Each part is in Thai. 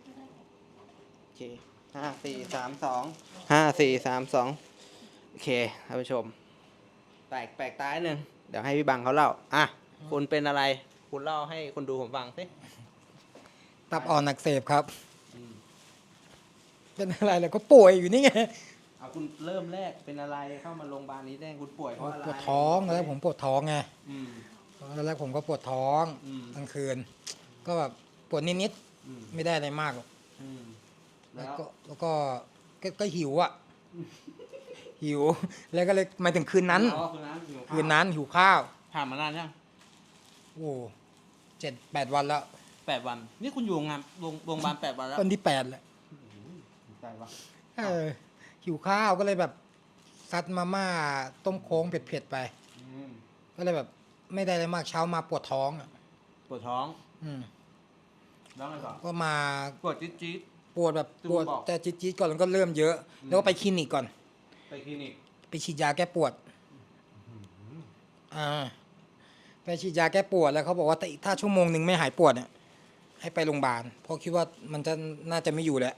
โอเค5 4 3 2โอเคท่านผู้ชมแปลกตาหนึ่งเดี๋ยวให้พี่บังเขาเล่าคุณเป็นอะไรคุณเล่าให้คนดูผมฟังสิตับอ่อนอักเสบครับอืมเป็นอะไรแล้วก็ป่วยอยู่นี่ไงเอาคุณเริ่มแรกเป็นอะไรเข้ามาโรงพยาบาลนี้ได้คุณป่วยเพราะอะไรปวดท้องแล้วผมปวดท้องไงอืมแล้วแรกผมก็ปวดท้องอืมกลางคืน ก็แบบปวดนิดอืมๆไม่ได้อะไรมากหรอกอืมแล้แล้ว วก็หิวอ่ะ หิว แล้วก็เลยหมายถึงคืนนั้นอ๋อคืนนั้นหิวข้าวคืนนั้นหิวข้าวผ่านมานานยังโอ้7-8 วันแล้ว 8 วันนี่คุณอยู่โรงพยาบาล8 วันแล้ววันที่8แหละใจวะหิวข้าวก็เลยแบบซัดมาม่าต้มโค้งเผ็ดๆไปอืมก็เลยแบบไม่ได้อะไรมากเช้ามาปวดท้องอ่ะปวดท้องอืมแล้วไงต่อก็มาปวดจี๊ดปวดแบบที่ปวดคุณบอกแต่จี๊ดๆก่อนแล้วก็เริ่มเยอะอืมแล้วก็ไปคลินิกก่อนไปคลินิกไปฉีดยาแก้ปวดไปฉีดยาแก้ปวดแล้วเขาบอกว่าถ้าชั่วโมงหนึ่งไม่หายปวดเนี่ยให้ไปโรงพยาบาลเพราะคิดว่ามันจะน่าจะไม่อยู่แล้ว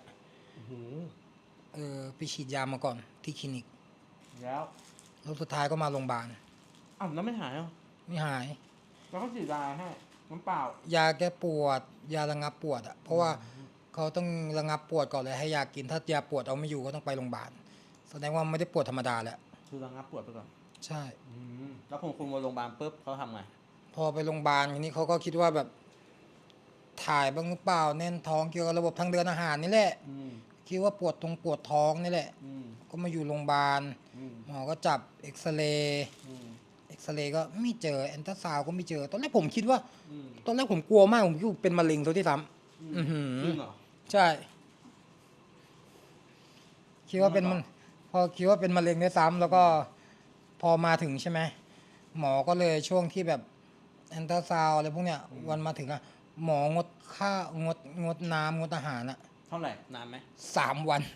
ไปฉีดยามาก่อนที่คลินิกแล้วแล้วสุดท้ายก็มาโรงพยาบาลอ้าวแล้วไม่หายเหรอไม่หายแล้วเขาฉีดยาให้น้ำเปล่ายาแก้ปวด ยาระงับปวดอ่ะเพราะว่าเขาต้องระงับปวดก่อนเลยให้ยากินถ้ายาปวดเอาไม่อยู่ก็ต้องไปโรงพยาบาลแสดงว่าไม่ได้ปวดธรรมดาแล้วคือระงับปวดไปก่อนใช่แล้วคุณมาโรงพยาบาลปุ๊บเขาทำไงพอไปโรงพยาบาลทีนี้เขาก็คิดว่าแบบถ่ายบ้างหรือเปล่าแน่นท้องเกี่ยวกับระบบทางเดินอาหารนี่แหละอืมคิดว่าปวดท้องนี่แหละอืมก็มาอยู่โรงพยาบาลอืมหมอก็จับเอ็กซเรย์อืมเอ็กซเรย์ก็ไม่เจอแอนตราซาวด์ก็ไม่เจอตอนแรกผมคิดว่าอืมตอนแรกผมกลัวมากผมคิดว่าเป็นมะเร็งตัวที่ซ้ำอื้อหือจริงเหรอใช่ คิดว่าเป็นมันพอคิดว่าเป็นมะเร็งด้วยซ้ำแล้วก็พอมาถึงใช่ไหมหมอก็เลยช่วงที่แบบแอนตราซาวด์อะไรพวกเนี้ยวันมาถึงอะหมองดข้าวงดน้ำงดอาหารอะเท่าไหร่นานไหม 3 วัน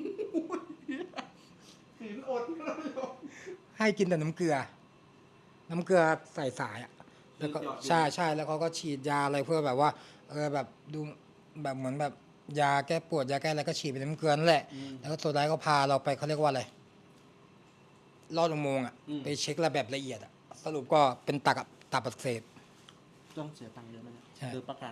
ศีลอดให้กินแต่น้ำเกลือ น้ำเกลือใส่สายอะแล้วก็ใช่แล้วเขาก็ฉีดยาอะไรเพื่อแบบว่าแบบดูแบบเหมือนแบบยาแก้ปวดยาแก้อะไรก็ฉีดเป็นน้ำเกลือนั่นแหละ แล้วก็สุดท้ายก็พาเราไปเขาเรียกว่าอะไรลอดอุโมงค์อะไปเช็คระแบบละเอียดอะสรุปก็เป็นตับอักเสบต้องเสียตังค์เยอะไหมเนี่ยใช่หรือประกัน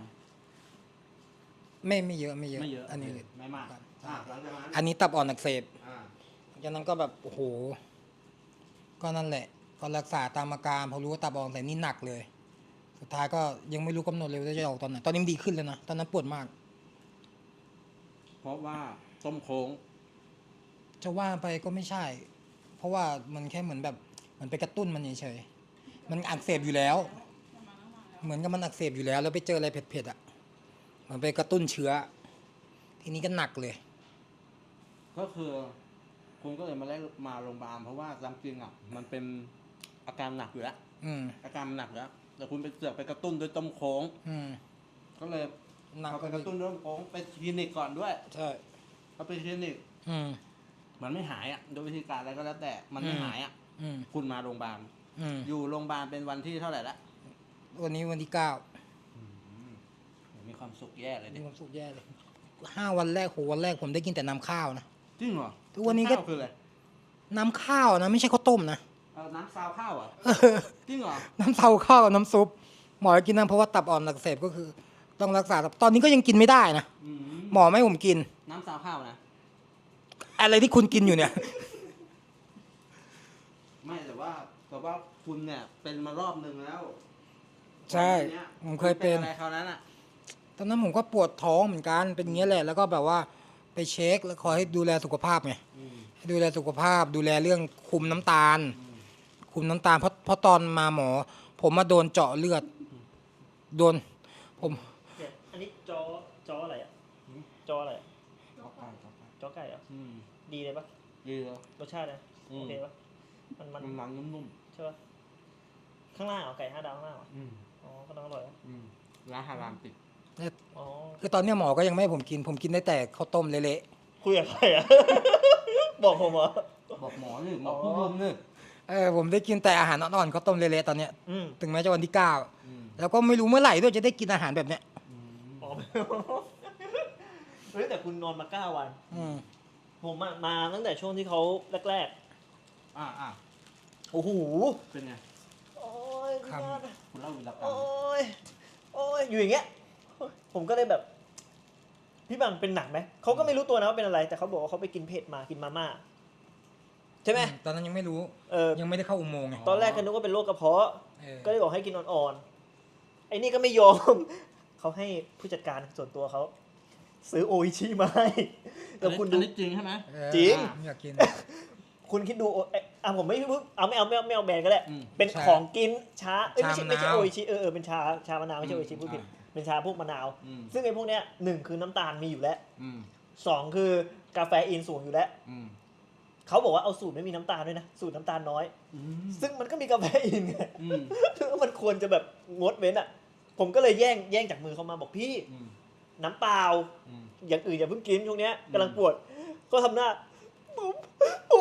ไม่เยอะไม่เยอะอันนี้ไม่มากหลังจากนั้นอันนี้ตับอ่อนอักเสบอ่าจากนั้นก็แบบโอ้โหก็นั่นแหละ ก็รักษาตามอาการพอรู้ว่าตับอ่อนอักเสบนี่หนักเลย สุดท้ายก็ยังไม่รู้กำหนดเลยว่าจะออกตอนไหนตอนนี้มันดีขึ้นแล้วนะตอนนั้นปวดมากเพราะว่าต้มโค้งจะว่าไปก็ไม่ใช่ เพราะว่ามันแค่เหมือนแบบมันไปกระตุ้นมันเฉยๆมันอักเสบอยู่แล้ว เหมือนกับมันอักเสบอยู่แล้ว แล้วไปเจออะไรเผ็ดๆอ่ะมันไปกระตุ้นเชื้อ ทีนี้ก็หนักเลยก็คือคุณก็เลยมาโรงพยาบาลเพราะว่าตามจริงอ่ะมันเป็นอาการหนักอยู่แล้วอืมอาการมันหนักแล้วแต่คุณไปเสือกไปกระตุ้นด้วยต้มโค้งอืมก็เลยหนักเขาไปกระตุ้นด้วยต้มโค้งไปคลินิกก่อนด้วยใช่เขาไปคลินิกอืมมันไม่หายอ่ะโดยวิธีการอะไรก็แล้วแต่มันไม่หายอ่ะอืมคุณมาโรงพยาบาลอืมอยู่โรงพยาบาลเป็นวันที่เท่าไหร่ละวันนี้วันที่9 มีความสุขแย่เลยมีดิความสุขแย่เลย5 วันแรกวันแรกผมได้กินแต่น้ำข้าวนะจริงเหรอทุกวันนี้ก็ข้าคืออะไรน้ำข้าวนะไม่ใช่ข้าวต้มนะน้ำซาวข้าวอ่ะจริงเหรอน้ำเต้าข้าวกับน้ำซุปหมอให้กินน้ำเพราะว่าตับอ่อนอักเสบก็คือ ต้องรักษาตอนนี้ก็ยังกินไม่ได้นะอืมหมอไม่ให้ผมกินน้ำซาวข้าวนะอะไรที่คุณกินอยู่เนี่ยไม่แต่ว่าคุณเนี่ยเป็นมารอบนึงแล้วใช่ก่อนหน้านี้ผมเคยเป็นอะไรคราวนั้นอ่ะตอนนั้นผมก็ปวดท้องเหมือนกันเป็นอย่างเงี้ยแหละแล้วก็แบบว่าไปเช็คแล้วคอยให้ดูแลสุขภาพไงให้ดูแลสุขภาพดูแลเรื่องคุมน้ำตาล คุมน้ำตาลเพราะตอนมาหมอ ผมมาโดนเจาะเลือดโดนผมเนี่ยอันนี้จออะไรอ่ะจออะไรอะจอไก่เหรอ่ะดีเลยปะดีเลยรสชาตินะอืมโอเคปะมันมันนุ่มใช่ปะข้างล่างเหรอไก่5 ดาวข้างล่างเหรอๆอ๋อก็ต้องอร่อยปะร้านฮารามติดอ๋อคือตอนเนี้ยหมอก็ยังไม่ให้ผมกินได้แต่ข้าวต้มเละคุยกับใครอ่ะ บอกผมเหรอบอกหมอนี่บอกผู้รุมนี่ๆผมได้กินแต่อาหารอ่อนๆข้าวต้มเละๆตอนเนี้ยอืมถึงแม้จะวันที่9แล้วก็ไม่รู้เมื่อไหร่ด้วยจะได้กินอาหารแบบเนี้ยอ๋อเฮ้ยแต่คุณนอนมา9 วันอืมผมอะมาตั้งแต่ช่วงที่เขาแรกอ่าๆโอ้โหเป็นไงโอ้ยพี่ยอดคุณเล่าวีรกรรมโอ้ยโอ้ยอยู่อย่างเงี้ยผมก็เลยแบบพี่บังเป็นหนักไหมเขาก็ไม่รู้ตัวนะว่าเป็นอะไร แต่เขาบอกว่าเขาไปกินเผ็ดมากินมาม่าใช่ไหมตอนนั้นยังไม่รู้เออยังไม่ได้เข้าอุโมงค์ไงตอนแรกก็นึกว่าเป็นโรคกระเพาะเออก็เลยบอกให้กินอ่อนๆ ไอ้นี่ก็ไม่ยอม เขาให้ผู้จัดการส่วนตัวเขาซื้อโออิชิมาให้แล้วคุณดูอันนี้จริงใช่ไหมเออจริงไม่อยากกินคุณคิดดูผมไม่เอาไม่เอาแบรนด์ก็ได้อืมเป็นใช่ของกินชาไม่ใช่ชามะนาวไม่ใช่โออิชิเป็นชามะนาวไม่ใช่โออิชิพูดผิดเป็นชาพวกมะนาวอืมซึ่งไอ้พวกเนี้ย1คือน้ำตาลมีอยู่แล้วอืม 2คือกาแฟอินสูงอยู่แล้วอืมเขาบอกว่าเอาสูตรไม่มีน้ำตาลด้วยนะสูตรน้ำตาลน้อยอืมซึ่งมันก็มีกาแฟอินไงอืมแล้วมันควรจะแบบงดเว้นอ่ะ ผมก็เลยแย่งจากมือเขามาบอกพี่อืมน้ำเปล่าอืมอย่างอื่นอย่าเพิ่งกินช่วงเนี้ยกำลังอืมปวด ก็ทำหน้าผม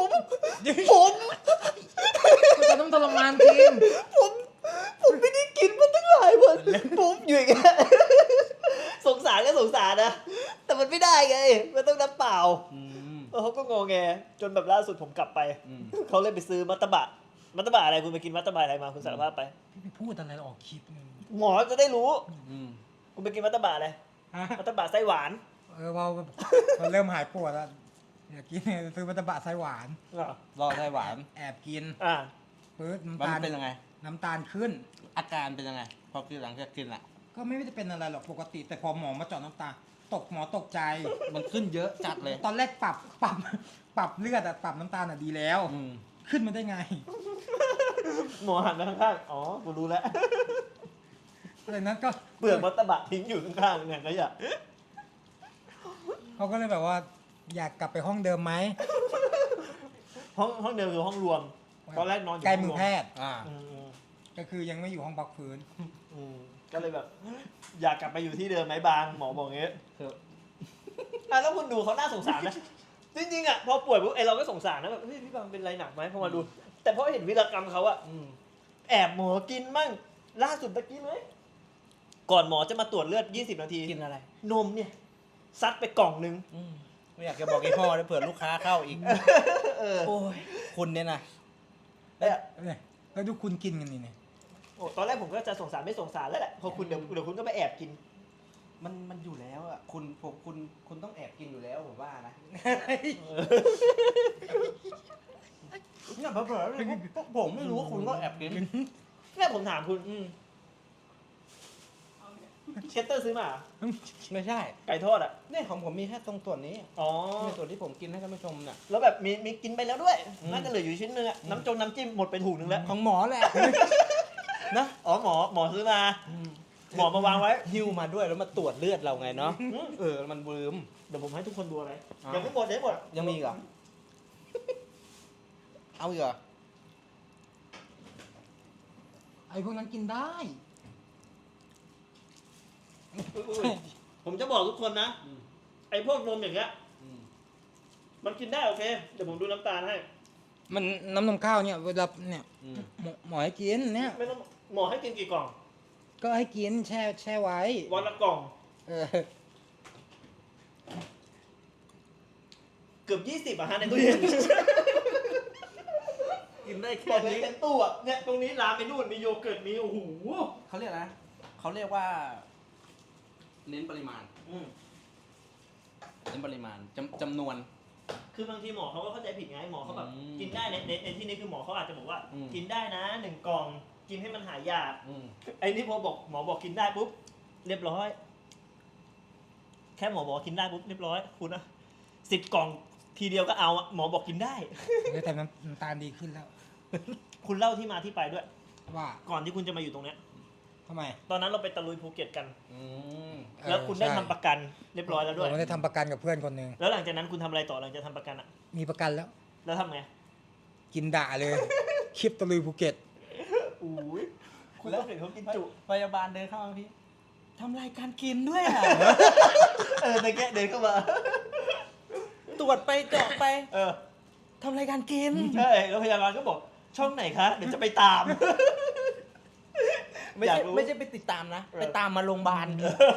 แต่ต้องทรมานจริงผมไม่ได้กินมาตั้งหลายวันผมอยู่อย่างเงี้ยสงสารก็สงสารนะ แต่มันไม่ได้ไง มันต้องน้ำเปล่าอืมแล้วเขาก็งอแง จนแบบล่าสุดผมกลับไปอืมเขาเลยไปซื้อมัตตบะอะไรคุณไปกินมัตตบะอะไรมาคุณสารภาพไปพี่ไปพูดอะไรออกคลิปนึงหมอจะได้รู้อืมคุณไปกินมัตตบะอะไรฮะมัตตบะไส้หวานเราเริ่มหายปวดแล้วอยากกินซื้อมัตตบะไส้หวานรอไส้หวานแอบกินอ่าปื๊ดมันน้ำตาลเป็นยังไงน้ำตาลขึ้นอาการเป็นยังไง พอกินหลังจากกินอ่ะก็ไม่ได้เป็นอะไรหรอกปกติ แต่พอหมอมาเจาะน้ำตาลหมอตกใจมันขึ้นเยอะจัดเลยตอนแรกปรับเลือดอะปรับน้ำตาลอะดีแล้วอืมขึ้นมาได้ไงหมอหันมาข้างๆอ๋อกูรู้แล้วอะไรนั้นก็เปลือกมัตตบะทิ้งอยู่ข้างๆเนี่ยก็อย่าเขาก็เลยแบบว่า อยากกลับไปห้องเดิมไหมห้องเดิมคือห้องรวม ตอนแรกนอนอยู่ใกล้ห้งมืรอวแพทย์อ่าอืมก็คือยังไม่อยู่ห้องพักฟื้นก็เลยแบบ อยากกลับไปอยู่ที่เดิมไหมบางหมอบอกงี้คือแล้วคุณดูเขาน่าสงสารนะ จริงๆอ่ะพอป่วยปุ๊บเราก็สงสารนะแบบเฮ้ยพี่บางเป็นไรหนักไหมพอมาดู แต่พอเห็นวีรกรรมเขาอะอืมแอบหมอกินมั่งล่าสุดตะกี้เลยก่อนหมอจะมาตรวจเลือด20 นาทีกินอะไรนมเนี่ยซัดไปกล่องนึงอืมไม่อยากจะบอกไอ้พ่อเลยเผื่อลูกค้าเข้าอีกเออโอ้ย คุณเนี่ยนะเนี่ยเนี่ยแล้วดูคุณกินกันนี่เนี่ยโอ้ตอนแรกผมก็จะสงสารไม่สงสารแล้วแหละพอคุณเดี๋ยวคุณก็ไปแอบกินมันอยู่แล้วอ่ะ คุณต้องแอบกินอยู่แล้วผมว่านะเนี่ยเผลอๆผมไม่รู้ว่าคุณก็แอบกินแม่ผมถามคุณเชสเตอร์ซื้อมาเหรอไม่ใช่ไก่ทอดอ่ะเนี่ยของผมมีแค่ตรงส่วนนี้อ๋อในส่วนที่ผมกินให้ท่านผู้ชมเนี่ยแล้วแบบมีกินไปแล้วด้วยอืมน่าจะเหลืออยู่ชิ้นนึงอะน้ำจิ้มหมดไปถุงนึงแล้วของหมอแหละ นะอ๋อหมอซื้อมา หมอมาวางไว้หิ้วมาด้วยแล้วมาตรวจเลือดเราไงเนาะอืมมันลืมเดี๋ยวผมให้ทุกคนดูอะไรอ่ายังไม่หมดยังไม่หมดยังมีอีกเหรอ เอาอีกเหรอไอ้พวกนั้นกินได้ผมจะบอกทุกคนนะ ไอ้พวกนมอย่างเงี้ย มันกินได้โอเค เดี๋ยวผมดูน้ำตาลให้มันน้ำนมข้าวเนี่ยเวลาเนี่ยอืมหมอให้กินเนี่ยไม่ต้องหมอให้กินกี่กล่องก็ให้กินแช่ไว้วันละกล่องเออเกือบ20อะฮะในตู้เย็นกินได้บแค่อกเลยนี้เต็มตู้อะเนี่ยตรงนี้ลามไปนู่นมีโยเกิร์ตมีโอ้โหเขาเรียกนะเขาเรียกว่า เน้นปริมาณ เน้นปริมาณจำนวนคือบางทีหมอเขาก็เข้าใจผิดไงหมอเขาแบบอืมกินได้ในที่นี้คือหมอเขาอาจจะบอกว่าอืมกินได้นะ1 กล่อง กินให้มันหายยากอืมไอ้นี่พอบอกหมอบอกกินได้ปุ๊บเรียบร้อย แค่หมอบอกกินได้ปุ๊บเรียบร้อยคุณอะ10 กล่องทีเดียวก็เอาอะหมอบอกกินได้แต่น้ำตาลดีขึ้นแล้วคุณเล่าที่มาที่ไปด้วยว่าก่อนที่คุณจะมาอยู่ตรงเนี้ยทำไมตอนนั้นเราไปตะลุยภูเก็ตกันอืมแล้วคุณได้ใช่ทำประกันเรียบร้อยแล้วด้วยผมได้ทำประกันกับเพื่อนคนหนึ่งแล้วหลังจากนั้นคุณทำอะไรต่อหลังจากทำประกันอะมีประกันแล้วแล้วทำไงกินด่าเลย คลิปตะลุยภูเก็ตอุ้ยคุณต้องเห็นเขากินจุพยาบาลเดินเข้ามาพี่ทำรายการกินด้วยอ่ะตะแกะเดินเข้ามาตรวจไปเจาะไปเออทำรายการกินใช่แล้วพยาบาลก็บอกช่องไหนคะเดี๋ยวจะไปตามไม่อยาใช่กรู้ไม่ใช่ไปติดตามนะ ไปตามมาโรงพยาบาล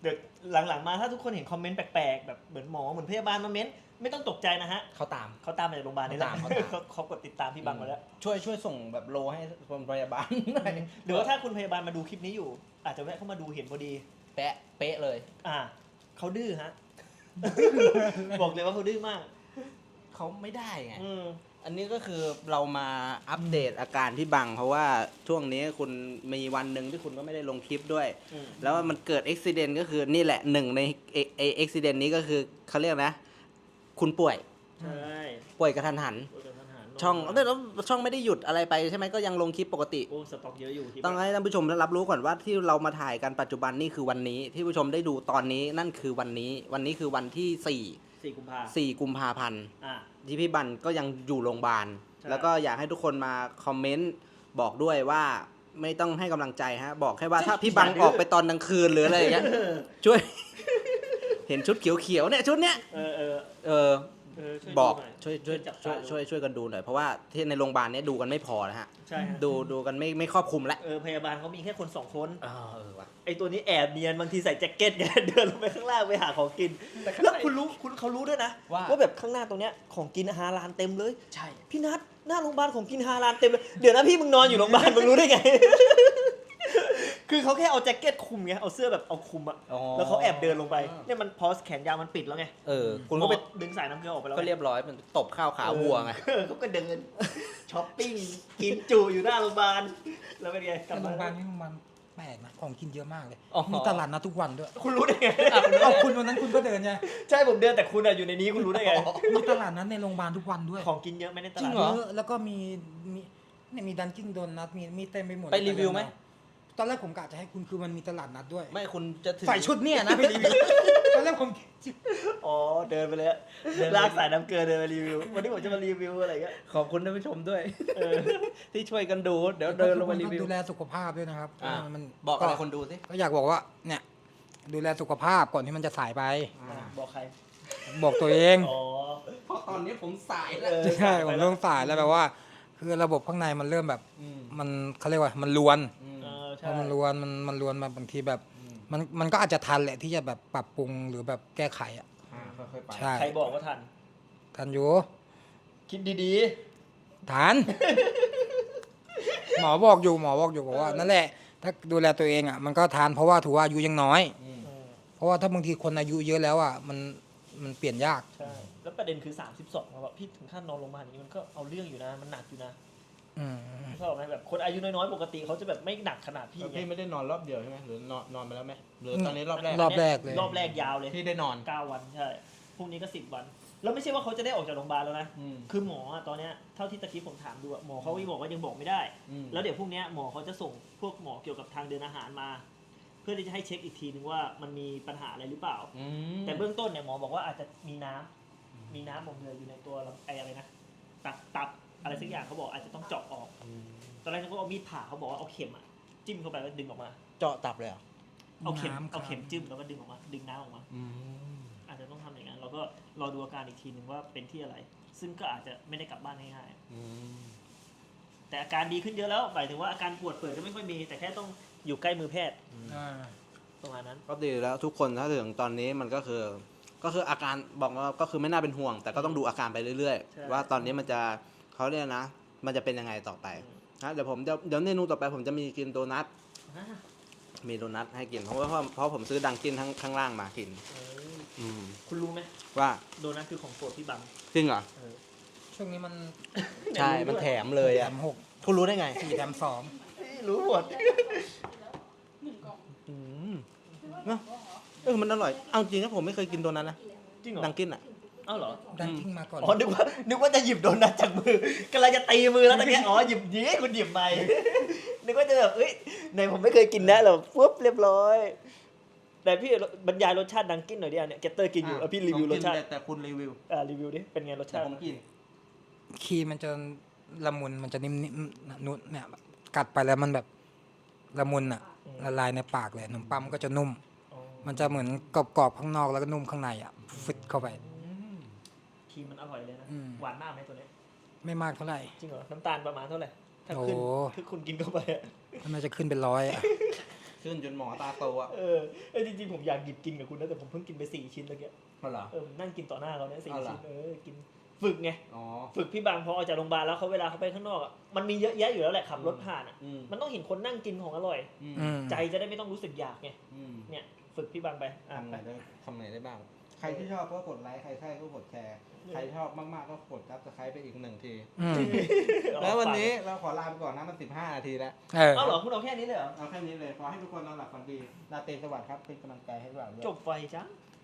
เดี๋ยวหลังๆมาถ้าทุกคนเห็นคอมเมนต์แปลกๆแบบเหมือนหมอเหมือนพยาบาลมาเม้นไม่ต้องตกใจนะฮะเขาตามเขาตามมาจากโรงพยาบาลนี่แหละเขาตามเขากดติดตามพี่บังมาแล้วช่วยส่งแบบโลให้คนพยาบาลหน่อยหรือว่าถ้าคุณพยาบาลมาดูคลิปนี้อยู่ อาจจะแวะเข้ามาดูเห็นพอดีเป๊ะเลยเขาดื้อฮะ บอกเลยว่าเขาดื้อมากเขาไม่ได้ไงอืมอันนี้ก็คือเรามาอัปเดตอาการที่บัง เพราะว่าช่วงนี้คุณมีวันหนึ่งที่คุณก็ไม่ได้ลงคลิปด้วยอืมแล้วมันเกิดอุบิเหตุก็คือนี่แหละหนึ่งในอุบิเหตุนี้ก็คือเขาเรียกนะ คุณป่วยใช่ป่วยกระทันหันโอ้ยเดี๋ยวท่านหาช่องแล้วช่องไม่ได้หยุดอะไรไปใช่ไหมก็ยังลงคลิปปกติโอ้สต็อกเยอะอยู่ที่ต้องให้ท่านผู้ชมได้รับรู้ก่อนว่าที่เรามาถ่ายกันปัจจุบันนี่คือวันนี้ ที่ผู้ชมได้ดูตอนนี้นั่นคือวันนี้ วันนี้คือวันที่ 4 กุมภา 4กุมภาพันธ์อ่าที่พี่บันก็ยังอยู่โรงพยาบาลใช่แล้วก็อยากให้ทุกคนมาคอมเมนต์บอกด้วยว่าไม่ต้องให้กำลังใจฮะ บอกแค่ว่าถ้าพี่บังออกไปตอนกลางคืนหรืออะไรอย่างเงี้ยช่วย เห็นชุดเขียวๆเนี่ยชุดเนี้ยเออเออช่วยบอกดูหน่ยช่วยจับช่วยตาดูช่วยกันดูหน่อยเพราะว่าที่ในโรงพยาบาลเนี้ยดูกันไม่พอนะฮะใช่ฮะดูกันไม่ครอบคลุมแล้วพยาบาลเขามีแค่คน 2 คนเออว่ะไอตัวนี้แอบเนียนบางทีใส่แจ็คเก็ตไง เดินลงไปข้างล่างไปหาของกิน แล้วเขารู้ด้วยนะว่าแบบข้างหน้าตรงเนี้ยของกินฮาลาลเต็มเลยใช่พี่นัทหน้าโรงพยาบาลของกินฮาลาลเต็มเลย เดี๋ยวนะพี่มึงนอนอยู่โรงพยาบาลมึงรู้ได้ไง คือเขาแค่เอาแจ็คเก็ตคลุมไงเอาเสื้อแบบเอาคลุมอะอ๋อแล้วเขาแอบเดินลงไปเนี่ยมันพอสแขนยาวมันปิดแล้วไงคุณก็ไปดึงสายน้ำเกลือออกไปแล้วก็เรียบร้อยมันตบข้าวขาวัวไงเขาก็เดินช้อปปิ้งกินจุอยู่หน้าโรงพยาบาลแล้วเป็นไงกลับโรมางพยาบาลนี่โรงพยาบาลแปลกนะของกินเยอะมากเลยอ๋อมีตลาดนัดทุกวันด้วยคุณรู้ได้ไงเอาคุณวันนั้นคุณก็เดินไงใช่ผมเดินแต่คุณอะอยู่ในนี้คุณรู้ได้ไงมีตลาดนัดในโรงพยาบาลทุกวันด้วยของกินเยอะไหมในตจริลาดงเหรอเยอะแล้วก็มีดันกิ้งโดนัทมีเต็มไปหมดไปรีวิวไหมตอนแรกผมกะจะให้คุณคือมันมีตลาดนัดด้วยไม่คุณจะถึงใส่ชุดเนี่ยนะไปรีวิวตอนแรกผมอ๋อเดินไปเลยอะลากสายน้ำเกลือเดินไปรีวิว วันนี้ผมจะมารีวิวอะไรเงี้ยขอบคุณท่านผู้ชมด้วย ที่ช่วยกันดูเดี๋ยวเดินลงมารีวิวดูแลสุขภาพด้วยนะครับ มันบอกอะไรคนดูสิก็อยากบอกว่าเนี่ยดูแลสุขภาพก่อนที่มันจะสายไปบอกใครบอกตัวเองอ๋อเพราะตอนนี้ผมสายแล้วใช่ผมเริ่มสายแล้วแบบว่า คือระบบข้างในมันเริ่มแบบมันเขาเรียกว่ามันลวนใช่พอมันลวนมันลวนมาบางทีแบบ มันก็อาจจะทันแหละที่จะแบบปรับปรุงหรือแบบแก้ไขอ่ะค่อยๆไปใช่ใครบอกว่าทันทันอยู่คิดดีทัน หมอบอกอยู่บอกว่านั่นแหละ ถ้าดูแลตัวเองอ่ะมันก็ทันเพราะว่าถือว่าอายุยังน้อย เพราะว่าถ้าบางทีคนอายุเยอะแล้วอ่ะมันเปลี่ยนยากใช่ แล้วประเด็นคือ 32ครับพี่ถึงขั้นนอนโรงพยาบาลอย่างนี้มันก็เอาเรื่องอยู่นะ มันหนักอยู่นะอืมเข้าใจไหมแบบคนอายุน้อยๆปกติเขาจะแบบไม่หนักขนาดพี่ไงพี่ไม่ได้นอนรอบเดียวใช่ไหมหรือนอนไปแล้วไหมหรือตอนนี้รอบแรกรอบแรกเลยรอบแรกยาวเลยที่ได้นอน 9 วันใช่ พรุ่งนี้ก็ 10 วัน แล้วไม่ใช่ว่าเขาจะได้ออกจากโรงพยาบาลแล้วนะ คือหมออะตอนเนี้ยเท่าที่ตะกี้ผมถามดูอะหมอเขาก็บอกว่ายังบอกไม่ได้ แล้วเดี๋ยวพรุ่งเนี้ยหมอเขาจะส่งพวกหมอเกี่ยวกับทางเดินอาหารมา เพื่อที่จะให้เช็คอีกทีนึงว่ามันมีปัญหาอะไรหรือเปล่า แต่เบื้องต้นเนี่ยหมอบอกว่าอาจจะมีน้ำหมองเหลืออยู่ในตัวอะไรนะตับอะไรสักอย่างเขาบอกอาจจะต้องเจาะออก ตอนแรกเขาเอามีดผ่าเขาบอกว่าเอาเข็มอะจิ้มเข้าไปแล้วดึงออกมาเจาะตับเลยเหรอเอาเข็มน้ำเอาเข็มจิ้มแล้วก็ดึงออกมา ดึงน้ำออกมา อาจจะต้องทำอย่างนั้นเราก็รอดูอาการอีกทีนึงว่าเป็นที่อะไร ซึ่งก็อาจจะไม่ได้กลับบ้านง่ายๆแต่อาการดีขึ้นเยอะแล้วหมายถึงว่าอาการปวดเปิดก็ไม่ค่อยมี แต่แค่ต้องอยู่ใกล้มือแพทย์อ่าประมาณนั้นก็ดีแล้วทุกคนถ้าถึงตอนนี้มันก็คืออาการบอกว่าก็คือไม่น่าเป็นห่วง แต่ก็ต้องดูอาการไปเรื่อยใช่ๆ ว่าตอนนี้มันจะเขาเรียกนะ มันจะเป็นยังไงต่อไปนะเดี๋ยวเมนูต่อไปผมจะมีกินโดนัท มีโดนัทให้กินเพราะผมซื้อดังกินข้างล่างมากินคุณรู้ไหมว่าโดนัทคือของโปรดพี่บังจริงเหรอช่วงนี้มันใช่มันแถมเลยแถอ่ะม6 คุณรู้ได้ไง 4แถม2 รู้หมดเนอะมันอร่อย เอาจริงนะผมไม่เคยกินโดนัทนะจริงเหรอดังกินอ่ะเอ้าเหรอดันกิ้งมาก่อนอ๋อ นึกว่าจะหยิบโดนัทจากมือกำลังจะตีมือแล้วตะเกียอ๋อ หยิบนี้คุณหยิบไป นึกว่าจะแบบเอ้ยในผมไม่เคยกินนะเราปุ๊บเรียบร้อย แต่พี่บรรยายรสชาติดังกินหน่อยดิเนี่ยเกตเตอร์กินอยู่พี่รีวิวรสชาติแต่คุณรีวิวรีวิวดิ เป็นไงรสแต่ชาติผมกินคีมันจะละมุนมันจะนิ่มๆนุ่นเนี่ยกัดไปแล้วมันแบบละมุนอ่ะละลายในปากเลยขนมปังก็จะนุ่มอ๋อมันจะเหมือนกรอบๆข้างนอกแล้วก็นุ่มข้างในอ่ะฟึดเข้าไปครีมมันอร่อยเลยนะอืมหวานมากไหมตัวนี้ไม่มากเท่าไหร่จริงเหรอ น้ำตาลประมาณเท่าไหร่ ถ้าโอ้ขึ้นถ้าคุณกินเข้าไปอะมันจะขึ้นเป็น100อ่ะขึ้นจนหมอตาโตอ่ะจริงๆผมอยากหยิบกินกับคุณนะแต่ผมเพิ่งกินไป4 ชิ้นเมื่อกี้เพราะเหรอผมนั่งกินต่อหน้าเขาเนี่ย4 เอาเหรอชิ้นกินฝึกไงอ๋อฝึกพี่บางพอออกจากโรงพยาบาลแล้วเขาเวลาเขาไปข้างนอกอะมันมีเยอะแยะอยู่แล้วแหละขับรถผ่านอ่ะ มันต้องเห็นคนนั่งกินของอร่อย ใจจะได้ไม่ต้องรู้สึกอยากไงเนี่ยฝึกพี่บางไปทำไหนได้บ้าง ใครที่ชอบก็กดไลค์ใครใช่ก็กดแชร์ใครชอบมากๆก็กดซับสไครป์ไปอีก1 ที แล้ววันนี้เราขอลาไปก่อนนะมัน15 นาทีแล้วเอาเหรอคุณเอาแค่นี้เลยเหรอเอาแค่นี้เลยขอให้ทุกคนนอนหลับฝันดีราตรีสวัสดิ์ครับเป็นกำลังใจให้พวกเราด้วยจบไฟจ้า